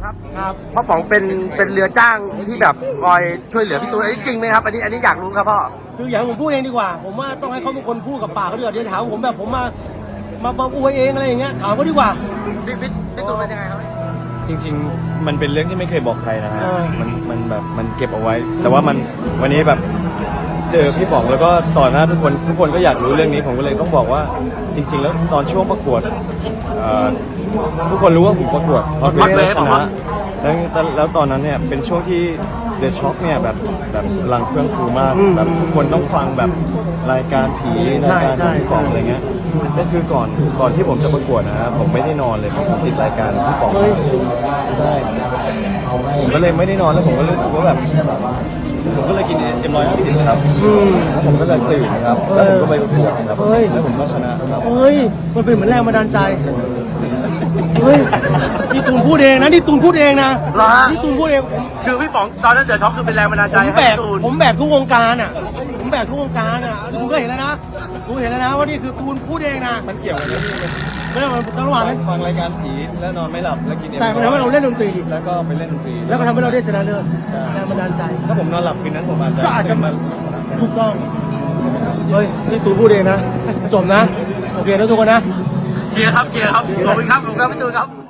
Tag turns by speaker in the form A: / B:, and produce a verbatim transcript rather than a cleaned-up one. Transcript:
A: ครับ
B: ครับ
A: พ่อป๋องเป็นเป็นเรือจ้างที่แบบคอยช่วยเหลือพี่ตูนอันนี้จริงไหมครับอันนี้อันนี้อยากรู้ครับพ่อ
B: คืออย่างผมพูดเองดีกว่าผมว่าต้องให้เขาเป็นคนพูดกับปากเขาดีกว่าเดี๋ยวถามผมแบบผมมามามาอวยเองอะไรอย่างเงี้ยถามเขาดีกว่า
A: พี่พี่พี่ตูนเป็นยังไงครับ
C: จริงๆมันเป็นเรื่องที่ไม่เคยบอกใครนะฮะ
B: เออ
C: มันมันแบบมันเก็บเอาไว้ แต่ว่ามันวันนี้แบบเจอพี่ป๋องแล้วก็ต่อหน้าทุกคนทุกคนก็อยากรู้เรื่องนี้ผมก็เลยต้องบอกว่าจริง ๆ แล้วตอนช่วงประกวดเอ่อทุกคนรู้ว่าผมประกวดพอเวฟชนะแล้วแล้วตอนนั้นเนี่ยเป็นช่วงที่เดอะช็อคเนี่ยแบบแบบพลังเครื่องครูมากแบบทุกคนต้องฟังแบบรายการผีรายการของพี่ป๋องอะไรเงี้ยนั่นคือก่อนก่อนที่ผมจะประกวดนะครับผมไม่ได้นอนเลยเพราะผมติดรายการพี่ป๋องใช่ผมก็เลยไม่ได้นอนแล้วผมก็รู้สึกว่าแบบผมก็เลยกินเอ็มร้อยห้าสิบครับแล้วผมก็เลยตื่นนะครับแล้วผมก็ไปประกวดครับแล้วผมก็ชนะครับ
B: เฮ้ยมันเป็นเหมือนแรงบันดาลใจเฮ้ยนี่ตูนพูดเองนะนี่ตูนพูดเองนะ
A: เหรอฮะ
B: นี่ตูนพูดเอง
A: คือพี่ป๋องตอนนั้นเดือดช็อกคือเป็นแรงบันดาลใจ
B: ผม
A: ให้
B: แบก
A: พี่ตูน
B: ผมแบกทุกวงการอ่ะผมแบกทุกวงการอ่ะคุณก็เห็นแล้วนะคุณเห็นแล้วนะว่านี่คือตูนพูดเองนะ
C: มันเกี่ยวกับ
B: ไม่ได้มันต้องระหว่างนั้น
C: ฟังรายการผีแล้วนอนไม่หลับแล้วกินเอ็ม
B: แต่มันทำให้เราเล่นดนตรี
C: แล้วก็ไปเล่นดนตรี
B: แล้วก็ทำให้เราได้ชนะเลิศแรงบันดาลใจ
C: ถ้าผมนอนหลับคืนนั้นผมอาจจะ
B: ก็อาจจะ
C: มา
B: ถูกต้องเฮ้ยนี่ตูนพูดเองนะจบนะโอเคนะทุกคนนะ
A: เกียร์ครับเกียร์ครับขอบคุณครับขอบคุณครับพี่ตูนครับ